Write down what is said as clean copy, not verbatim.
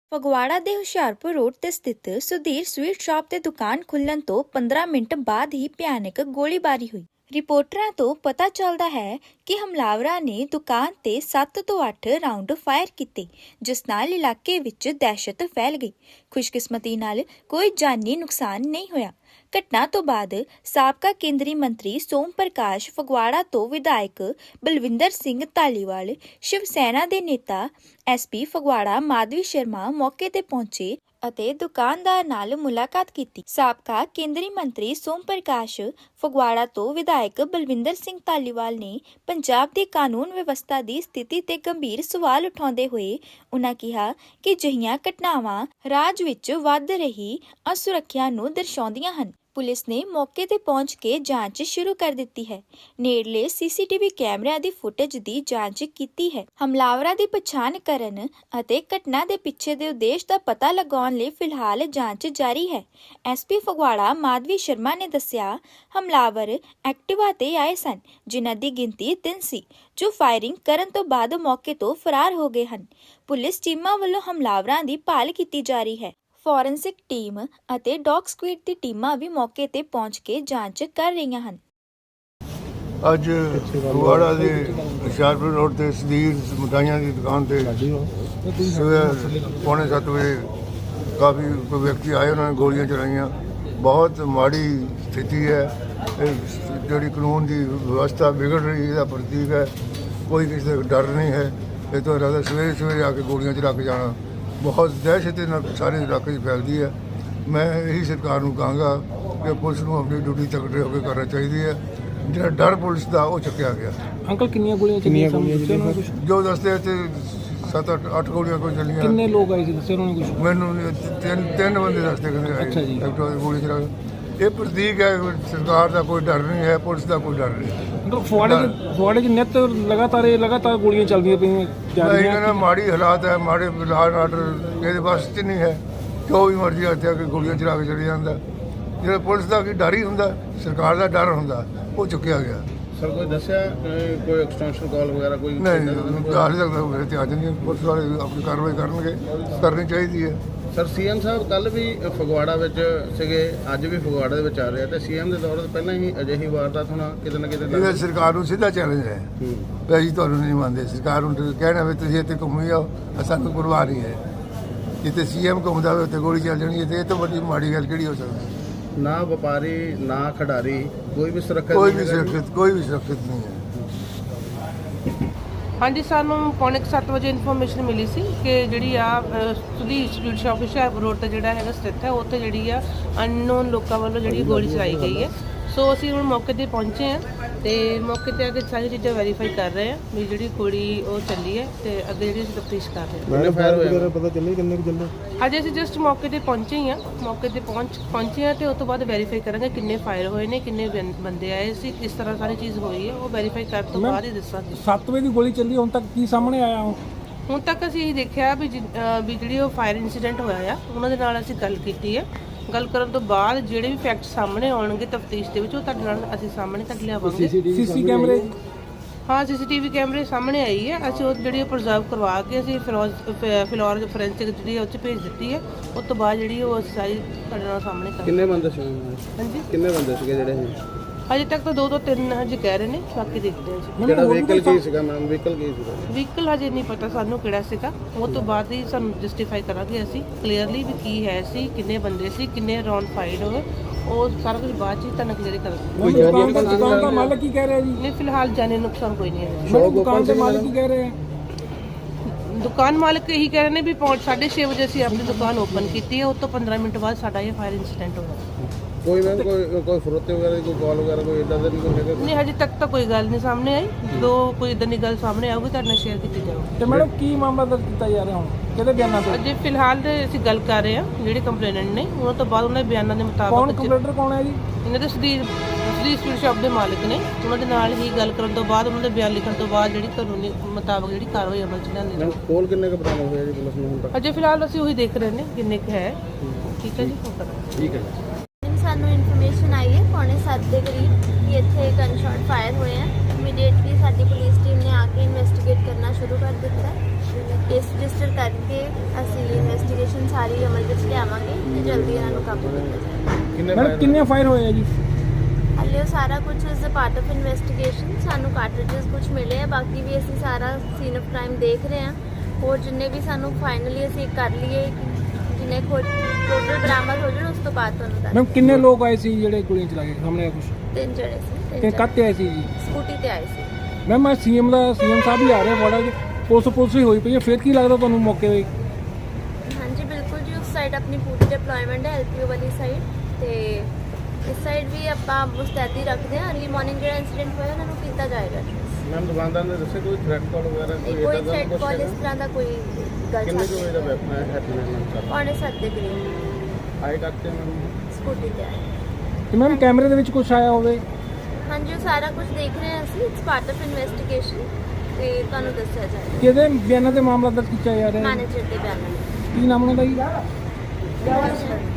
ਫਗਵਾੜਾ ਦੇ ਹੁਸ਼ਿਆਰਪੁਰ ਰੋਡ ਤੇ ਸਥਿਤ ਸੁਧੀਰ ਸਵੀਟ ਸ਼ਾਪ ਤੇ ਦੁਕਾਨ ਖੁੱਲਣ ਤੋਂ 15 ਮਿੰਟ ਬਾਅਦ ਹੀ ਭਿਆਨਕ ਗੋਲੀਬਾਰੀ ਹੋਈ। ਰਿਪੋਰਟਰਾਂ ਤੋਂ ਪਤਾ ਚੱਲਦਾ ਹੈ ਕਿ ਹਮਲਾਵਰਾਂ ਨੇ ਦੁਕਾਨ ਤੇ 7 ਤੋਂ 8 ਰਾਉਂਡ ਫਾਇਰ ਕੀਤੇ, ਜਿਸ ਨਾਲ ਇਲਾਕੇ ਵਿੱਚ ਦਹਿਸ਼ਤ ਫੈਲ ਗਈ। ਖੁਸ਼ਕਿਸਮਤੀ ਨਾਲ ਕੋਈ ਜਾਨੀ ਨੁਕਸਾਨ ਨਹੀਂ ਹੋਇਆ। ਘਟਨਾ ਤੋਂ ਬਾਅਦ ਸਾਬਕਾ ਕੇਂਦਰੀ ਮੰਤਰੀ ਸੋਮ ਪ੍ਰਕਾਸ਼, ਫਗਵਾੜਾ ਤੋਂ ਵਿਧਾਇਕ ਬਲਵਿੰਦਰ ਸਿੰਘ ਧਾਲੀਵਾਲ, ਸ਼ਿਵ ਸੈਨਾ ਦੇ ਨੇਤਾ SP ਫਗਵਾੜਾ ਮਾਧਵੀ ਸ਼ਰਮਾ ਮੌਕੇ ਤੇ ਪਹੁੰਚੇ ਅਤੇ ਦੁਕਾਨਦਾਰ ਨਾਲ ਮੁਲਾਕਾਤ ਕੀਤੀ। ਸਾਬਕਾ ਕੇਂਦਰੀ ਮੰਤਰੀ ਸੋਮ ਪ੍ਰਕਾਸ਼, ਫਗਵਾੜਾ ਤੋਂ ਵਿਧਾਇਕ ਬਲਵਿੰਦਰ ਸਿੰਘ ਧਾਲੀਵਾਲ ਨੇ ਪੰਜਾਬ ਦੀ ਕਾਨੂੰਨ ਵਿਵਸਥਾ ਦੀ ਸਥਿਤੀ ਤੇ ਗੰਭੀਰ ਸਵਾਲ ਉਠਾਉਂਦੇ ਹੋਏ ਉਨ੍ਹਾਂ ਕਿਹਾ ਕਿ ਅਜਿਹੀਆਂ ਘਟਨਾਵਾਂ ਰਾਜ ਵਿੱਚ ਵੱਧ ਰਹੀ ਅਸੁਰੱਖਿਆ ਨੂੰ ਦਰਸਾਉਂਦੀਆਂ ਹਨ। ਪੁਲਿਸ ਨੇ ਮੌਕੇ ਤੇ ਪਹੁੰਚ ਕੇ ਜਾਂਚ ਸ਼ੁਰੂ ਕਰ ਦਿੱਤੀ ਹੈ। ਨੇੜਲੇ CCTV ਕੈਮਰਿਆਂ ਦੀ ਫੁਟੇਜ ਦੀ ਜਾਂਚ ਕੀਤੀ ਹੈ। ਹਮਲਾਵਰਾਂ ਦੀ ਪਛਾਣ ਕਰਨ ਅਤੇ ਘਟਨਾ ਦੇ ਪਿੱਛੇ ਦੇ ਉਦੇਸ਼ ਦਾ ਪਤਾ ਲਗਾਉਣ ਲਈ ਫਿਲਹਾਲ ਜਾਂਚ ਜਾਰੀ ਹੈ। SP ਫਗਵਾੜਾ ਮਾਧਵੀ ਸ਼ਰਮਾ ਨੇ ਦੱਸਿਆ, ਹਮਲਾਵਰ ਐਕਟਿਵਾ ਤੇ ਆਏ ਸਨ, ਜਿਨ੍ਹਾਂ ਦੀ ਗਿਣਤੀ 3 ਸੀ, ਜੋ ਫਾਇਰਿੰਗ ਕਰਨ ਤੋਂ ਬਾਅਦ ਮੌਕੇ ਤੋਂ ਫਰਾਰ ਹੋ ਗਏ ਹਨ। ਪੁਲਿਸ ਟੀਮਾਂ ਵੱਲੋਂ ਹਮਲਾਵਰਾਂ ਦੀ ਭਾਲ ਕੀਤੀ ਜਾ ਰਹੀ ਹੈ। ਫੋਰੈਂਸਿਕ ਟੀਮ ਅਤੇ ਡੌਗ ਸਕੁਐਡ ਦੀ ਟੀਮਾਂ ਵੀ ਮੌਕੇ ਤੇ ਪਹੁੰਚ ਕੇ ਜਾਂਚ ਕਰ ਰਹੀਆਂ ਹਨ। ਅੱਜ ਫਗਵਾੜਾ ਦੇ ਹੁਸ਼ਿਆਰਪੁਰ ਰੋਡ ਤੇ ਸੁਧੀਰ ਮਿਠਾਈਆਂ ਦੀ ਦੁਕਾਨ ਤੇ ਸਵੇਰ 6:45 ਵਜੇ ਕਾਫੀ ਕੋਈ ਵਿਅਕਤੀ ਆਏ, ਉਹਨਾਂ ਨੇ ਗੋਲੀਆਂ ਚਲਾਈਆਂ। ਬਹੁਤ ਮਾੜੀ ਸਥਿਤੀ ਹੈ। ਇਹ ਜਿਹੜੀ ਕਾਨੂੰਨ ਦੀ ਵਿਵਸਥਾ ਵਿਗੜ ਰਹੀ ਇਹਦਾ ਪ੍ਰਤੀਕ ਹੈ। ਕੋਈ ਕਿਸੇ ਦਾ ਡਰ ਨਹੀਂ ਹੈ। ਇਹ ਤੋਂ ਇਲਾਵਾ ਸਵੇਰੇ ਆ ਕੇ ਗੋਲੀਆਂ ਚਲਾ ਕੇ ਜਾਣਾ ਬਹੁਤ ਦਹਿਸ਼ਤ ਨਾਲ ਸਾਰੇ ਇਲਾਕੇ 'ਚ ਫੈਲਦੀ ਹੈ। ਮੈਂ ਇਹੀ ਸਰਕਾਰ ਨੂੰ ਕਹਾਂਗਾ ਕਿ ਪੁਲਿਸ ਨੂੰ ਆਪਣੀ ਡਿਊਟੀ ਤਕੜੇ ਹੋ ਕੇ ਕਰਨਾ ਚਾਹੀਦੀ ਹੈ। ਜਿਹੜਾ ਡਰ ਪੁਲਿਸ ਦਾ ਉਹ ਚੁੱਕਿਆ ਗਿਆ। ਅੰਕਲ ਕਿੰਨੀਆਂ ਗੋਲੀਆਂ ਚੱਲੀਆਂ ਜੋ ਦੱਸਦੇ ਤੇ 7-8 ਗੋਲੀਆਂ ਕੋਈ ਚੱਲੀਆਂ। ਕਿੰਨੇ ਲੋਕ ਆਏ ਸੀ ਦੱਸਿਆ ਉਹਨਾਂ ਨੇ ਕੁਝ? ਮੈਨੂੰ ਤਿੰਨ ਬੰਦੇ ਦੱਸਦੇ ਕਹਿੰਦੇ ਆਏ। ਅੱਛਾ ਜੀ। ਗੋਲੀ ਚਲਾ ਇਹ ਪ੍ਰਤੀਕ ਹੈ ਸਰਕਾਰ ਦਾ ਕੋਈ ਡਰ ਨਹੀਂ ਹੈ, ਪੁਲਿਸ ਦਾ ਕੋਈ ਡਰ ਨਹੀਂ। ਫਗਵਾੜੇ 'ਚ ਨਿੱਤ ਲਗਾਤਾਰ ਗੋਲੀਆਂ ਚੱਲਦੀਆਂ ਪਈਆਂ। ਇਹਨਾਂ ਮਾੜੀ ਹਾਲਾਤ ਹੈ, ਮਾੜੇ ਲਾਅ ਆਰਡਰ ਇਹਦੇ ਬਸ 'ਚ ਨਹੀਂ ਹੈ। ਜੋ ਵੀ ਮਰਜ਼ੀ ਹੱਥਿਆ ਕਿ ਗੋਲੀਆਂ ਚਲਾ ਕੇ ਚਲੇ ਜਾਂਦਾ। ਜਿਹੜਾ ਪੁਲਿਸ ਦਾ ਕੀ ਡਰ ਹੀ ਹੁੰਦਾ, ਸਰਕਾਰ ਦਾ ਡਰ ਹੁੰਦਾ, ਉਹ ਚੁੱਕਿਆ ਗਿਆ। ਸਰ ਕੋਈ ਦੱਸਿਆ ਕੋਈ ਐਕਸਟੈਂਸ਼ਨ ਕਾਲ ਵਗੈਰਾ ਕੋਈ ਨਹੀਂ ਹਾਲੇ ਤੱਕ ਮੇਰੇ ਤੇ ਅੱਜ ਨਹੀਂ। ਪੁਲਿਸ ਵਾਲੇ ਆਪਣੀ ਕਾਰਵਾਈ ਕਰਨੀ ਚਾਹੀਦੀ ਹੈ। ਸਰ CM ਸਾਹਿਬ ਕੱਲ ਵੀ ਫਗਵਾੜਾ ਵਿੱਚ ਸੀਗੇ, ਅੱਜ ਵੀ ਫਗਵਾੜਾ ਦੇ ਵਿੱਚ ਆ ਰਹੇ ਆ, ਤੇ CM ਦੇ ਦੌਰ ਤੋਂ ਪਹਿਲਾਂ ਹੀ ਅਜਿਹੀ ਵਾਰਦਾਤ ਹੋਣਾ ਕਿਤੇ ਨਾ ਕਿਤੇ ਇਹਦਾ ਸਰਕਾਰ ਨੂੰ ਸਿੱਧਾ ਚੈਲੰਜ ਹੈ ਵੀ ਅਸੀਂ ਤੁਹਾਨੂੰ ਨਹੀਂ ਮੰਨਦੇ। ਸਰਕਾਰ ਨੂੰ ਕਹਿਣਾ ਵੀ ਤੁਸੀਂ ਇੱਥੇ ਘੁੰਮੀ ਜਾਓ, ਸਾਨੂੰ ਪਰਵਾਹ ਨਹੀਂ ਹੈ। ਜਿੱਥੇ CM ਘੁੰਮਦਾ ਹੋਵੇ ਉੱਥੇ ਗੋਲੀ ਚੱਲ ਜਾਣੀ ਹੈ। ਤੇ ਇਹ ਤੋਂ ਵੱਡੀ ਮਾੜੀ ਗੱਲ ਕਿਹੜੀ ਹੋ ਸਕਦੀ? ਨਾ ਵਪਾਰੀ ਨਾ ਖਿਡਾਰੀ ਕੋਈ ਵੀ ਸੁਰੱਖਿਅਤ ਨਹੀਂ ਹੈ। ਹਾਂਜੀ, ਸਾਨੂੰ 6:45 ਵਜੇ ਇਨਫੋਰਮੇਸ਼ਨ ਮਿਲੀ ਸੀ ਕਿ ਜਿਹੜੀ ਆ Sudhir sweet shop Hoshiarpur road ਤੇ ਜਿਹੜਾ ਹੈਗਾ ਸਥਿਤ ਹੈ, ਉੱਥੇ ਜਿਹੜੀ ਆ ਅਨਨੋਨ ਲੋਕਾਂ ਵੱਲੋਂ ਜਿਹੜੀ ਗੋਲੀ ਚਲਾਈ ਗਈ ਹੈ। ਸੋ ਅਸੀਂ ਹੁਣ ਮੌਕੇ ਤੇ ਪਹੁੰਚੇ ਹਾਂ ਤੇ ਮੌਕੇ ਤੇ ਆ ਕੇ ਸਾਰੀ ਚੀਜ਼ਾਂ ਵੈਰੀਫਾਈ ਕਰ ਰਹੇ ਹਾਂ ਵੀ ਜਿਹੜੀ ਗੋਲੀ ਉਹ ਚੱਲੀ ਹੈ ਤੇ ਅੱਗੇ ਜਿਹੜੀ ਅਸੀਂ ਤਫਤੀਸ਼ ਕਰ ਰਹੇ ਹਾਂ। ਫਾਇਰ ਹੋਇਆ ਪਤਾ ਚੱਲੇ ਕਿੰਨੇ ਕੁ ਚੱਲੇ? ਅੱਜ ਅਸੀਂ ਜਸਟ ਮੌਕੇ ਤੇ ਪਹੁੰਚੇ ਹੀ ਹਾਂ। ਮੌਕੇ ਤੇ ਪਹੁੰਚੇ ਹਾਂ ਤੇ ਉਸ ਤੋਂ ਬਾਅਦ ਵੈਰੀਫਾਈ ਕਰਾਂਗੇ ਕਿੰਨੇ ਫਾਇਰ ਹੋਏ ਨੇ, ਕਿੰਨੇ ਬੰਦੇ ਆਏ ਸੀ, ਕਿਸ ਤਰ੍ਹਾਂ ਸਾਰੀ ਚੀਜ਼ ਹੋਈ ਹੈ, ਉਹ ਵੈਰੀਫਾਈ ਕਰਨ ਤੋਂ ਬਾਅਦ ਹੀ ਦੱਸਾਂਗੇ। 7 ਵਜੇ ਦੀ ਗੋਲੀ ਚੱਲੀ, ਹੁਣ ਤੱਕ ਕੀ ਸਾਹਮਣੇ ਆਇਆ? ਹੁਣ ਤੱਕ ਅਸੀਂ ਇਹ ਦੇਖਿਆ ਵੀ ਜਿਹੜੀ ਉਹ ਫਾਇਰ ਇਨਸੀਡੈਂਟ ਹੋਇਆ ਆ, ਉਹਨਾਂ ਦੇ ਨਾਲ ਅਸੀਂ ਗੱਲ ਕੀਤੀ ਹੈ। ਗੱਲ ਕਰਨ ਤੋਂ ਬਾਅਦ ਜਿਹੜੇ ਵੀ ਫੈਕਟ ਸਾਹਮਣੇ ਆਉਣਗੇ ਤਫਤੀਸ਼ ਦੇ ਵਿੱਚ, ਉਹ ਤੁਹਾਡੇ ਨਾਲ ਅਸੀਂ ਸਾਹਮਣੇ ਕੱਢ ਲਿਆਵਾਂਗੇ। CC ਕੈਮਰੇ? ਹਾਂ, CCTV ਕੈਮਰੇ ਸਾਹਮਣੇ ਆਈ ਹੈ। ਅਸੀਂ ਉਹ ਜਿਹੜੀ ਪ੍ਰੀਜ਼ਰਵ ਕਰਵਾ ਕੇ ਅਸੀਂ ਫਿਲੌਰ ਫੋਰੈਂਸਿਕ ਜਿਹੜੀ ਉਹ 'ਚ ਭੇਜ ਦਿੱਤੀ ਹੈ। ਉਸ ਤੋਂ ਬਾਅਦ ਜਿਹੜੀ ਉਹ ਅਸੀਂ ਸਾਰੀ ਤੁਹਾਡੇ ਨਾਲ ਸਾਹਮਣੇ ਕਰ। ਕਿੰਨੇ ਬੰਦੇ ਸੀ? ਹਾਂਜੀ, ਕਿੰਨੇ ਬੰਦੇ ਸੀਗੇ ਜਿਹੜੇ? ਅਜੇ ਤੱਕ ਤਾਂ 2 ਤੋਂ 3 ਹਜੇ ਕਹਿ ਰਹੇ ਨੇ, ਬਾਕੀ ਦੇਖਦੇ ਹਾਂ ਜੀ। ਜਿਹੜਾ ਵਹੀਕਲ ਕੀ ਸੀਗਾ ਮੈਮ? ਵਹੀਕਲ ਕੀ ਸੀਗਾ? ਵਹੀਕਲ ਹਜੇ ਨਹੀਂ ਪਤਾ ਸਾਨੂੰ ਕਿਹੜਾ ਸੀਗਾ। ਉਹ ਤੋਂ ਬਾਅਦ ਹੀ ਸਾਨੂੰ ਜਸਟੀਫਾਈ ਕਰਾਂਗੇ ਅਸੀਂ ਕਲੀਅਰਲੀ ਵੀ ਕੀ ਹੈ ਸੀ, ਕਿੰਨੇ ਬੰਦੇ ਸੀ, ਕਿੰਨੇ ਰਾਉਂਡ ਫਾਇਰ ਹੋਏ, ਉਹ ਸਾਰਾ ਕੁਝ ਬਾਅਦ 'ਚ ਹੀ ਤੁਹਾਨੂੰ ਕਲੀਅਰ ਕਰਾਂਗੇ। ਦੁਕਾਨ ਦਾ ਮਾਲਕ ਕੀ ਕਹਿ ਰਿਹਾ ਜੀ? ਨਹੀਂ, ਫਿਲਹਾਲ ਜਾਨੀ ਨੁਕਸਾਨ ਕੋਈ ਨਹੀਂ ਹੈ। ਦੁਕਾਨ ਦੇ ਮਾਲਕ ਕੀ ਕਹਿ ਰਹੇ ਆ? ਦੁਕਾਨ ਮਾਲਕ ਇਹੀ ਕਹਿ ਰਹੇ ਨੇ ਵੀ 6:30 ਵਜੇ ਅਸੀਂ ਆਪਣੀ ਦੁਕਾਨ ਓਪਨ ਕੀਤੀ ਹੈ। ਉਸ ਤੋਂ 15 ਮਿੰਟ ਬਾਅਦ ਸਾਡਾ ਇਹ ਫਾਇਰ ਇਨਸੀਡੈਂਟ ਹੋਇਆ। ਕੋਈ ਮੈਮ ਕੋਈ ਫਰੋਤੇ ਵਗੈਰਾ ਦੀ ਕੋਈ ਕਾਲ ਵਗੈਰਾ ਕੋਈ ਇਦਾਂ ਦਾ ਨਹੀਂ ਕੋਈ ਹੈਗਾ? ਨਹੀਂ, ਹਜੇ ਤੱਕ ਤਾਂ ਕੋਈ ਗੱਲ ਨਹੀਂ ਸਾਹਮਣੇ ਆਈ। ਜਦੋਂ ਕੋਈ ਇਦਾਂ ਦੀ ਗੱਲ ਸਾਹਮਣੇ ਆਊਗੀ ਤੁਹਾਡੇ ਨਾਲ ਸ਼ੇਅਰ ਕੀਤੀ ਜਾਊਗੀ। ਤੇ ਮੈਡਮ ਕੀ ਮਾਮਲਾ ਦਰਜ ਕੀਤਾ ਜਾ ਰਿਹਾ ਹੁਣ? ਕਿਹਦੇ ਬਿਆਨਾਂ ਤੇ? ਅਜੇ ਫਿਲਹਾਲ ਤੇ ਅਸੀਂ ਗੱਲ ਕਰ ਰਹੇ ਹਾਂ ਜਿਹੜੇ ਕੰਪਲੇਨੈਂਟ ਨੇ, ਉਹਨਾਂ ਤੋਂ ਬਾਅਦ ਉਹਨਾਂ ਦੇ ਬਿਆਨਾਂ ਦੇ ਮੁਤਾਬਕ ਕੰਪਲੇਂਟਰ ਕੌਣ ਹੈ ਜੀ? ਇਹਨਾਂ ਦੇ ਸੁਧੀਰ ਸਵੀਟ ਸ਼ਾਪ ਦੇ ਮਾਲਕ ਨੇ। ਉਹਨਾਂ ਦੇ ਨਾਲ ਹੀ ਗੱਲ ਕਰਨ ਤੋਂ ਬਾਅਦ, ਉਹਨਾਂ ਦੇ ਬਿਆਨ ਲਿਖਣ ਤੋਂ ਬਾਅਦ ਜਿਹੜੀ ਕਾਨੂੰਨੀ ਮੁਤਾਬਕ ਜਿਹੜੀ ਕਾਰਵਾਈ ਅਮਲ 'ਚ ਲਿਆਂਦੀ ਜਾਊਗੀ। ਕੋਲ ਕਿੰਨੇ ਕੁ ਬਰਾਮਦ ਹੋਇਆ ਜੀ ਪੁਲਿਸ ਨੂੰ ਹੁਣ ਤੱਕ? ਅਜੇ ਫਿਲਹਾਲ ਅਸੀਂ ਉਹੀ ਦੇਖ ਰਹੇ ਨੇ ਕਿੰਨੇ ਕੁ ਹੈ। ਠੀਕ ਹੈ ਜੀ, ਉਹ ਕਰਾਂਗੇ। ਠੀਕ ਹੈ। ਸਾਨੂੰ ਇਨਫੋਰਮੇਸ਼ਨ ਆਈ ਹੈ 6:45 ਦੇ ਕਰੀਬ ਕਿ ਇੱਥੇ ਗਨ ਸ਼ਾਟ ਫਾਇਰ ਹੋਏ ਹੈ। ਇਮੀਡੀਏਟਲੀ ਸਾਡੀ ਪੁਲਿਸ ਟੀਮ ਨੇ ਆ ਕੇ ਇਨਵੈਸਟੀਗੇਟ ਕਰਨਾ ਸ਼ੁਰੂ ਕਰ ਦਿੱਤਾ। ਕੇਸ ਰਜਿਸਟਰ ਕਰਕੇ ਅਸੀਂ ਇਨਵੈਸਟੀਗੇਸ਼ਨ ਇਨਵੈਸਟੀਗੇਸ਼ਨ ਸਾਰੀ ਅਮਲ ਵਿੱਚ ਲਿਆਵਾਂਗੇ ਤੇ ਜਲਦੀ ਇਹਨਾਂ ਨੂੰ ਕਾਬੂ ਕੀਤਾ ਜਾਏਗਾ। ਕਿੰਨੇ ਮੈਡਮ ਕਿੰਨੇ ਫਾਇਰ ਹੋਏ ਆ ਜੀ? ਹਾਲੇ ਉਹ ਸਾਰਾ ਕੁਝ is a part of investigation. ਸਾਨੂੰ ਕਾਰਟ੍ਰਿਜਸ ਕੁਝ ਮਿਲੇ ਆ, ਬਾਕੀ ਵੀ ਅਸੀਂ ਸਾਰਾ ਸੀਨ ਆਫ ਕ੍ਰਾਈਮ ਦੇਖ ਰਹੇ ਹਾਂ। ਹੋਰ ਜਿੰਨੇ ਵੀ ਸਾਨੂੰ ਫਾਈਨਲੀ ਅਸੀਂ ਕਰ ਲਈਏ ਜਿੰਨੇ ਟੋਟਲ ਬਰਾਮਦ ਹੋ ਜਾਣ ਉਸ ਤੋਂ ਬਾਅਦ ਤੁਹਾਨੂੰ ਦੱਸ। ਮੈਮ ਕਿੰਨੇ ਲੋਕ ਆਏ ਸੀ ਜਿਹੜੇ ਗੋਲੀਆਂ ਚਲਾ ਕੇ ਸਾਹਮਣੇ ਆ ਕੁਝ? 3 ਜਣੇ ਸੀ, ਕਿ ਕੱਤੇ ਆਏ ਸੀ ਜੀ? ਸਕੂਟੀ ਤੇ ਆਏ ਸੀ। ਮੈਮ ਮੈਂ ਸੀਐਮ ਸਾਹਿਬ ਵੀ ਆ ਰਹੇ ਫਗਵਾੜਾ ਜੀ, ਪੁਲਿਸ ਹੀ ਹੋਈ ਪਈ ਹੈ, ਫਿਰ ਕੀ ਲੱਗਦਾ ਤੁਹਾਨੂੰ ਮੌਕੇ 'ਤੇ? ਹਾਂਜੀ ਬਿਲਕੁਲ ਜੀ, ਉਸ ਸਾਈਡ ਆਪਣੀ ਪੂਰੀ ਡਿਪਲੋਇਮੈਂਟ ਹੈ ਐਲਪੀਓ ਵਾਲੀ ਸਾਈਡ, ਤੇ ਇਸ ਸਾਈਡ ਵੀ ਆਪਾਂ ਮੁਸਤੈਦੀ ਰੱਖਦੇ ਹਾਂ। ਅਰਲੀ ਮਾਰਨਿੰਗ ਜਿਹੜਾ ਇਨਸੀਡੈਂਟ ਹੋਇਆ ਉਹਨਾਂ ਨੂੰ ਕੀਤਾ ਜਾਏਗਾ। ਮੈਮ ਦੁਕਾਨਦਾਰ ਨੇ ਦੱਸਿਆ ਕੋਈ ਥ੍ਰੈਟ ਕਾਲ ਵਗੈਰਾ ਕੋਈ ਥ੍ਰੈਟ ਕਾਲ ਇਸ ਤਰ੍ਹਾਂ ਦਾ ਕੋਈ ਗੱਲ ਕਿੰਨੇ ਕੁ ਵਜੇ ਦਾ ਨਹੀਂ। ਵੈਪਨ ਹੈ ਹੈਪੀ ਪੌਣੇ 7 ਦੇ ਕਰੀਬ ਆਏ ਕਰਤੇ ਮੈਮ ਸਕੂਟੀ ਤੇ ਆਏ। ਤੇ ਮੈਮ ਕੈਮਰੇ ਦੇ ਵਿੱਚ ਕੁਝ ਆਇਆ ਹੋਵੇ? ਹਾਂਜੀ ਉਹ ਸਾਰਾ ਕੁਝ ਦੇਖ ਰਹੇ ਹਾਂ ਅਸੀਂ, ਇਟਸ ਪਾਰਟ ਆਫ ਇਨਵੈਸਟੀਗੇਸ਼ਨ ਤੇ ਤੁਹਾਨੂੰ ਦੱਸਿਆ ਜਾਏਗਾ। ਕਿਹਦੇ ਬਿਆਨਾਂ ਤੇ ਮਾਮਲਾ ਦਰਜ ਕੀਤਾ ਜਾ ਰਿਹਾ ਹੈ? ਮੈਨੇਜਰ ਦੇ ਬਿਆਨਾਂ ਕੀ ਨਾਮ ਉਹਨਾਂ ਦਾ ਜੀ? ਨਾਲ